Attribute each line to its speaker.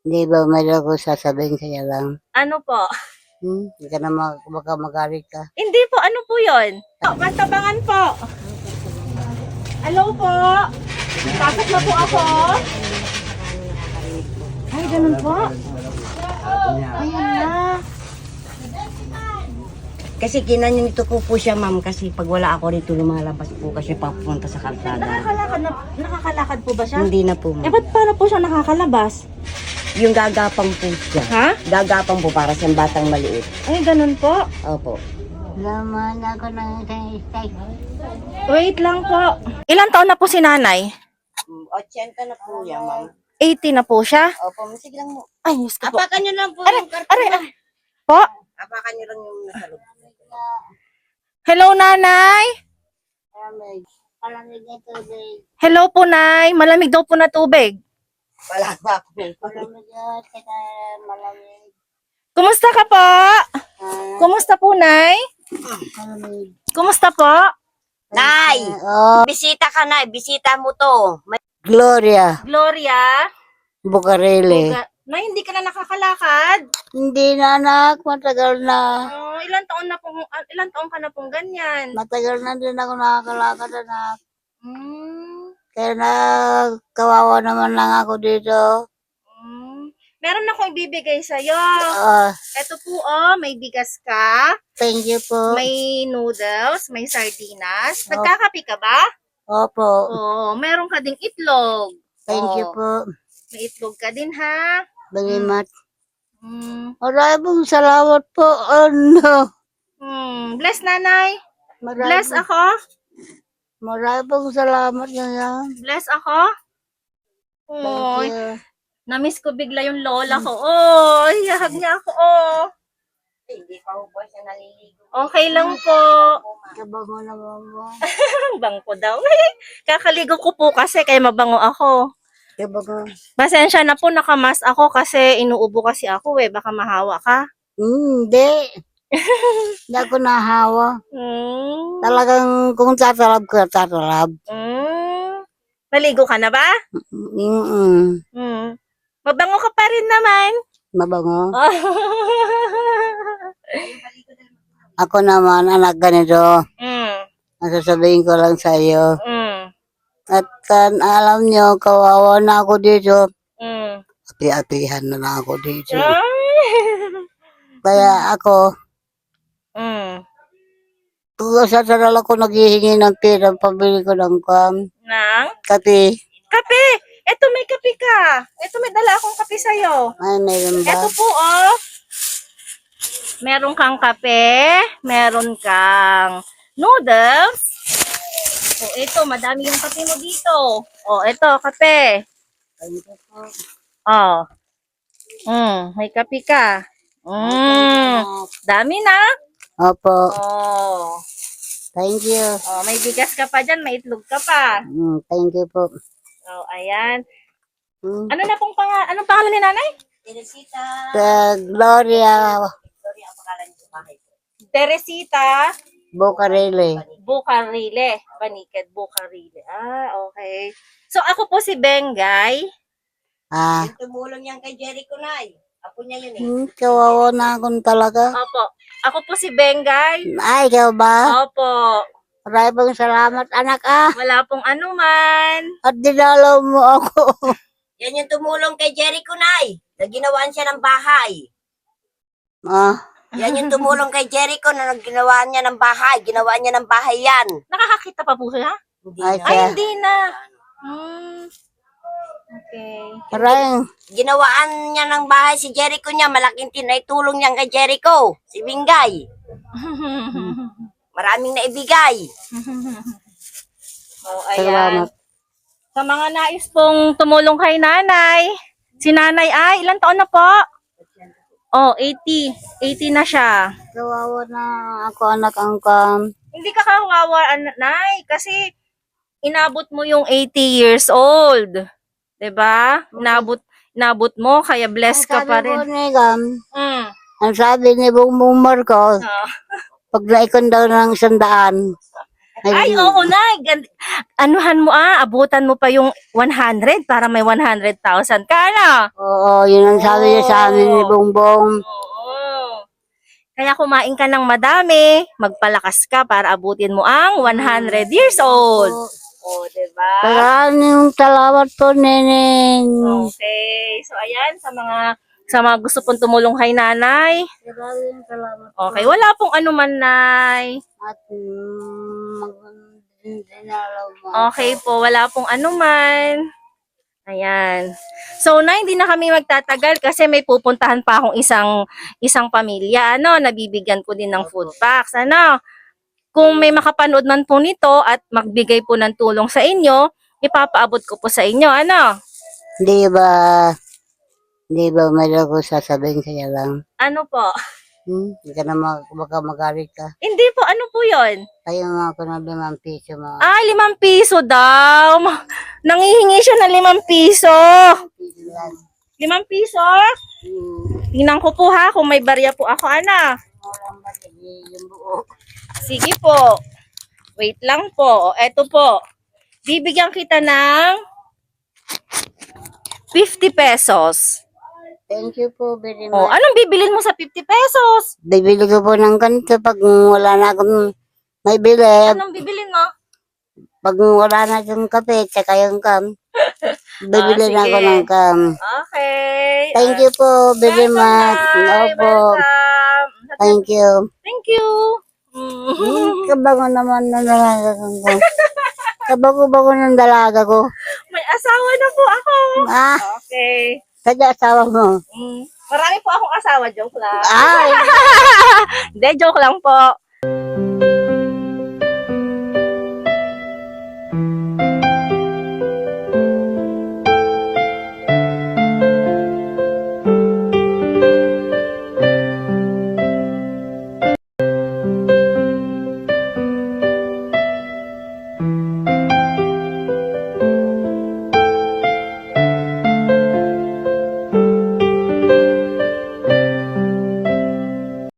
Speaker 1: Hindi ba mayroon ko sasabihin kaya lang?
Speaker 2: Ano po?
Speaker 1: Hindi ka na baka magalit ka.
Speaker 2: Hindi po, ano po yun? Mantabangan po. Hello po. Pasok na po ako. Ay, ganun po. Ayan na.
Speaker 3: Kasi kinanito ko po siya, ma'am, kasi pag wala ako rito, lumalabas po kasi papunta sa kalsada.
Speaker 2: Nakakalakad po ba siya?
Speaker 3: Hindi na po,
Speaker 2: Eh,
Speaker 3: ma'am.
Speaker 2: ba't paano po siya nakakalabas?
Speaker 3: Yung gagapang po siya.
Speaker 2: Ha?
Speaker 3: Gagapang po para sa batang maliit.
Speaker 2: Ay, ganun po.
Speaker 3: Opo.
Speaker 1: Laman ako ng isang steak.
Speaker 2: Wait lang po. Ilang taon na po si nanay?
Speaker 3: 80 na po yan, ma'am.
Speaker 2: 80 na po siya?
Speaker 3: Opo, sige lang mo.
Speaker 2: Ay, Diyos ko po.
Speaker 3: Apakan nyo lang po
Speaker 2: Aray,
Speaker 3: yung karton.
Speaker 2: aray. Po?
Speaker 3: Apakan nyo lang yung nasa loob.
Speaker 2: Hello, nanay?
Speaker 1: Palamig na tubig.
Speaker 2: Hello po, nay. Malamig daw po na tubig.
Speaker 3: Wala pa po.
Speaker 1: Palamig at saka malamig.
Speaker 2: Kumusta ka po? Kumusta po, nay?
Speaker 1: Malamig.
Speaker 2: Kumusta po?
Speaker 3: Nay!
Speaker 1: Oh,
Speaker 3: Bisita ka, Nay. Bisita mo to.
Speaker 1: Gloria
Speaker 2: Gloria?
Speaker 1: Bucareli.
Speaker 2: Nay, hindi ka na nakakalakad?
Speaker 1: Hindi na anak, matagal na.
Speaker 2: Oh, ilang taon ka na pong ganyan?
Speaker 1: Matagal na din ako nakakalakad anak.
Speaker 2: Hmm.
Speaker 1: Kaya na kawawa naman lang ako dito.
Speaker 2: Meron akong ibibigay sa'yo. Ito po, may bigas ka,
Speaker 1: Thank you po.
Speaker 2: may noodles, may sardinas. Nagkakape ka ba?
Speaker 1: Opo.
Speaker 2: Oo, meron ka ding itlog.
Speaker 1: Thank you
Speaker 2: Oo,
Speaker 1: po.
Speaker 2: may itlog ka din, ha?
Speaker 1: Very much.
Speaker 2: Mm.
Speaker 1: Salamat po. Ano?
Speaker 2: Bless, nanay. Bless ako.
Speaker 1: Maraming salamat ngayon.
Speaker 2: Bless ako.
Speaker 1: Thank
Speaker 2: Oy,
Speaker 1: you.
Speaker 2: namiss ko bigla yung lola ko. Oh, hiyahag niya ako. Oh.
Speaker 3: Hindi pa po siya naliligo.
Speaker 2: Okay lang po.
Speaker 1: Kabango naman mo.
Speaker 2: Bangko daw. Kakaligo ko po kasi kaya mabango ako.
Speaker 1: Kabango.
Speaker 2: Pasensya na po, nakamas ako kasi inuubo kasi ako eh. Baka mahawa ka.
Speaker 1: Hindi. Hindi ako nahawa.
Speaker 2: Mm.
Speaker 1: Talagang kung tatalab ka, tatalab.
Speaker 2: Naligo ka na ba? Mabango ka pa rin naman.
Speaker 1: Mabango. Ako naman, anak ganito. Nasasabihin ko lang sa iyo. At kan alam nyo, kawawa na ako dito. Api-apihan na lang ako dito. Kaya ako, tulo sa taral ako naghihingi ng pera, pabili ko ng
Speaker 2: Nang?
Speaker 1: kape.
Speaker 2: Kape! Eto, may kape ka. Eto, may dala akong kape sa'yo.
Speaker 1: Ay, mayroon ba?
Speaker 2: Eto po, oh. Meron kang kape. Meron kang noodles. O, ito, madami yung kape mo dito. O, ito, kape. Oh. May kape ka. Dami na.
Speaker 1: Opo,
Speaker 2: Oh.
Speaker 1: thank you.
Speaker 2: Oh, may bigas ka pa dyan, may itlog ka pa.
Speaker 1: Thank you po.
Speaker 2: Oh, ayan.
Speaker 1: Mm.
Speaker 2: Anong pangalan ni nanay?
Speaker 3: Teresita.
Speaker 1: Gloria
Speaker 3: Sorry, ang pangalan niyo sa bahay.
Speaker 2: Teresita
Speaker 1: Bucareli.
Speaker 2: Bucarile. Baniked Bucarile. Ah, okay. So, ako po si Bengay.
Speaker 3: Yung tumulong yan kay Jericho, Nay. Apo niya yun eh.
Speaker 1: Kawawa na ako talaga.
Speaker 2: Opo. Ako po si Bengay.
Speaker 1: Ay, ikaw ba?
Speaker 2: Opo.
Speaker 1: Maraming salamat, anak
Speaker 2: Wala pong anuman.
Speaker 1: At dinalaw mo ako.
Speaker 3: Yan yung tumulong kay Jericho, Nay. Na ginawaan siya ng bahay. Yan yung tumulong kay Jericho na ginawa niya ng bahay. Ginawa niya ng bahay yan.
Speaker 2: Nakakakita pa po siya?
Speaker 1: Ay,
Speaker 2: Ay, hindi na. Okay.
Speaker 1: Maraming
Speaker 3: Ginawaan niya ng bahay si Jericho niya. Malaking tulong niya kay Jericho. Si Bingay. Maraming naibigay.
Speaker 2: Oh, ayan.
Speaker 1: salamat.
Speaker 2: Sa mga nais pong tumulong kay nanay, si nanay ay, ilang taon na po? Oh, 80. 80 na siya.
Speaker 1: Kawawa na ako, anak ang
Speaker 2: Hindi ka kawawa, nay, kasi inabot mo yung 80 years old. 'Di ba? Inabot mo, kaya blessed ka pa rin.
Speaker 1: Ang sabi ni Bongbong Marcos,
Speaker 2: Oh.
Speaker 1: pag naikon daw ng 100,
Speaker 2: Ay, oo na. Anuhan mo abutan mo pa yung 100 para may 100,000 ka na.
Speaker 1: Oo, yun ang sabi niya sa amin ni Bongbong.
Speaker 2: Oo. Kaya kumain ka ng madami, magpalakas ka para abutin mo ang 100 years old. Oh, diba?
Speaker 1: Maraming salamat po, Neneng.
Speaker 2: Okay. So, ayan, sa mga gusto pong tumulong kay nanay.
Speaker 1: Maraming salamat po.
Speaker 2: Okay, wala pong anuman, nay.
Speaker 1: At dinalaw mo.
Speaker 2: Okay po, wala pong anuman. Ayan. So, na hindi na kami magtatagal kasi may pupuntahan pa akong isang pamilya. Nabibigyan ko din ng food packs. Kung may makapanood man po nito at magbigay po ng tulong sa inyo, ipapaabot ko po sa inyo.
Speaker 1: Di ba mayroon ko sasabihin sa'yo lang?
Speaker 2: Ano po?
Speaker 1: Hindi ka na baka magalit ka.
Speaker 2: Hindi po, ano po yon?
Speaker 1: Kaya nga ako ng 5 piso mo.
Speaker 2: 5 piso daw. Nangihingi siya ng 5 piso. 5 piso? Tingnan ko po ha, kung may barya po ako,
Speaker 1: Yung buo.
Speaker 2: Sige po. Wait lang po. Eto po. Bibigyan kita ng 50 pesos.
Speaker 1: Thank you po very
Speaker 2: Oh,
Speaker 1: much.
Speaker 2: anong bibilin mo sa 50 pesos?
Speaker 1: Bibili ko po ng ganito pag wala na akong may bili.
Speaker 2: Anong bibilin mo?
Speaker 1: Pag wala na akong kape, tsaka yung kam. Bibili na ako
Speaker 2: sige.
Speaker 1: ng kam.
Speaker 2: Okay.
Speaker 1: Thank you po very much. Opo.
Speaker 2: Welcome.
Speaker 1: Thank you.
Speaker 2: Thank you.
Speaker 1: Kabango naman ng dalaga ko. Kabango-bango ng dalaga ko.
Speaker 2: May asawa na po ako. Okay.
Speaker 1: Sadya asawa mo.
Speaker 2: Marami po akong asawa. Joke lang.
Speaker 1: Ay!
Speaker 2: Hindi, joke lang po.